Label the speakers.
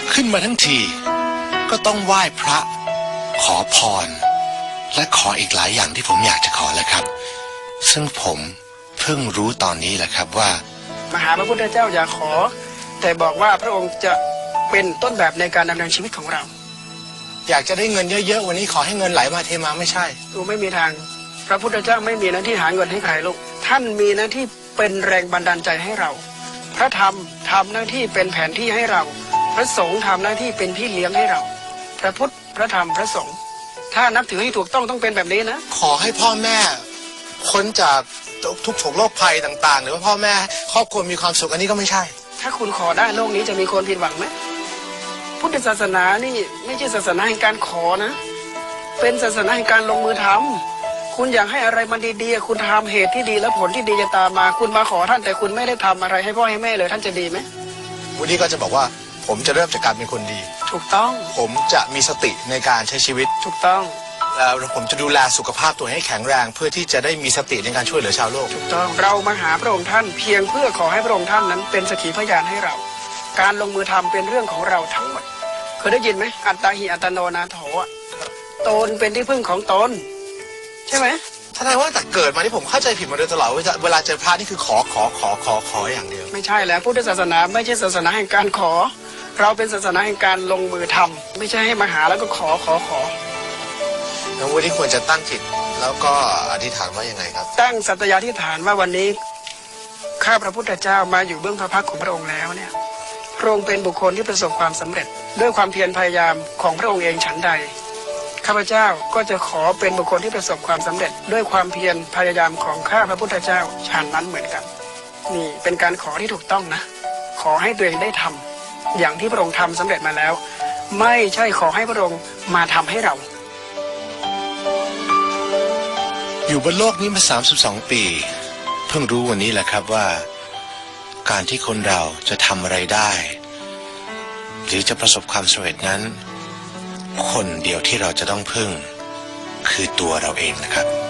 Speaker 1: ขึ้นมาทั้งทีก็ต้องไหว้พระขอพรและขออีกหลายอย่างที่ผมอยากจะขอแหละครับซึ่งผมเพิ่งรู้ตอนนี้แหละครับว่าม
Speaker 2: หาพระพุทธเจ้าอย่าขอแต่บอกว่าพระองค์จะเป็นต้นแบบในการดำเนินชีวิตของเรา
Speaker 1: อยากจะได้เงินเยอะๆวันนี้ขอให้เงินไหลมาเทมาไม่ใช่
Speaker 2: ดูไม่มีทางพระพุทธเจ้าไม่มีหน้าที่หาเงินให้ใครลูกท่านมีหน้าที่เป็นแรงบันดาลใจให้เราพระธรรมทำหน้าที่เป็นแผนที่ให้เราพระสงฆ์ทำหน้าที่เป็นพี่เลี้ยงให้เราพระพุทธพระธรรมพระสงฆ์ถ้านับถือให้ถูกต้องเป็นแบบนี้นะ
Speaker 1: ขอให้พ่อแม่พ้นจากทุกโศกโรคภัยต่างๆหรือว่าพ่อแม่ครอบครัวมีความสุขอันนี้ก็ไม่ใช่
Speaker 2: ถ้าคุณขอได้โลกนี้จะมีคนผิดหวังไหมพุทธศาสนานี่ไม่ใช่ศาสนาแห่งการขอนะเป็นศาสนาแห่งการลงมือทำคุณอยากให้อะไรมันดีๆคุณทำเหตุที่ดีแล้วผลที่ดีจะตามมาคุณมาขอท่านแต่คุณไม่ได้ทำอะไรให้พ่อให้แม่เลยท่านจะดีไหม
Speaker 1: วันนี้ก็จะบอกว่าผมจะเริ่มจากการเป็นคนดี
Speaker 2: ถูกต้อง
Speaker 1: ผมจะมีสติในการใช้ชีวิต
Speaker 2: ถูกต้อง
Speaker 1: แล้วผมจะดูแลสุขภาพตัวให้แข็งแรงเพื่อที่จะได้มีสติในการช่วยเหลือชาวโลก
Speaker 2: ถูกต้องเรามาหาพระองค์ท่านเพียงเพื่อขอให้พระองค์ท่านนั้นเป็นสักขีพยานให้เราการลงมือทำเป็นเรื่องของเราทั้งหมดเคยได้ยินไหมอัตตาหิอัตโนนาโถตนเป็นที่พึ่งของตนใช่ไหม
Speaker 1: แสดงว่าแต่เกิดมาที่ผมเข้าใจผิดมาโดยตลอดเวลาเจอพระนี่คือขออย่างเดียว
Speaker 2: ไม่ใช่แล้วพุทธศาสนาไม่ใช่ศาสนาแห่งการขอเราเป็นศาสนาแห่งการลงมือทำไม่ใช่ให้มาหาแล้วก็ขอ
Speaker 1: แล้ววันนี้ควรจะตั้งจิตแล้วก็อธิษฐานว่ายังไงครับ
Speaker 2: ตั้งสัตยาธิษฐานว่าวันนี้ข้าพระพุทธเจ้ามาอยู่เบื้องพระพักตร์ของพระองค์แล้วเนี่ยพระองค์เป็นบุคคลที่ประสบความสำเร็จด้วยความเพียรพยายามของพระองค์เองฉันใดข้าพเจ้าก็จะขอเป็นบุคคลที่ประสบความสำเร็จด้วยความเพียรพยายามของข้าพระพุทธเจ้าฉันนั้นเหมือนกันนี่เป็นการขอที่ถูกต้องนะขอให้ตัวเองได้ทำอย่างที่พระองค์ทำสำเร็จมาแล้วไม่ใช่ขอให้พระองค์มาทำให้เรา
Speaker 1: อยู่บนโลกนี้มา32 ปีเพิ่งรู้วันนี้แหละครับว่าการที่คนเราจะทำอะไรได้หรือจะประสบความสำเร็จนั้นคนเดียวที่เราจะต้องพึ่งคือตัวเราเองนะครับ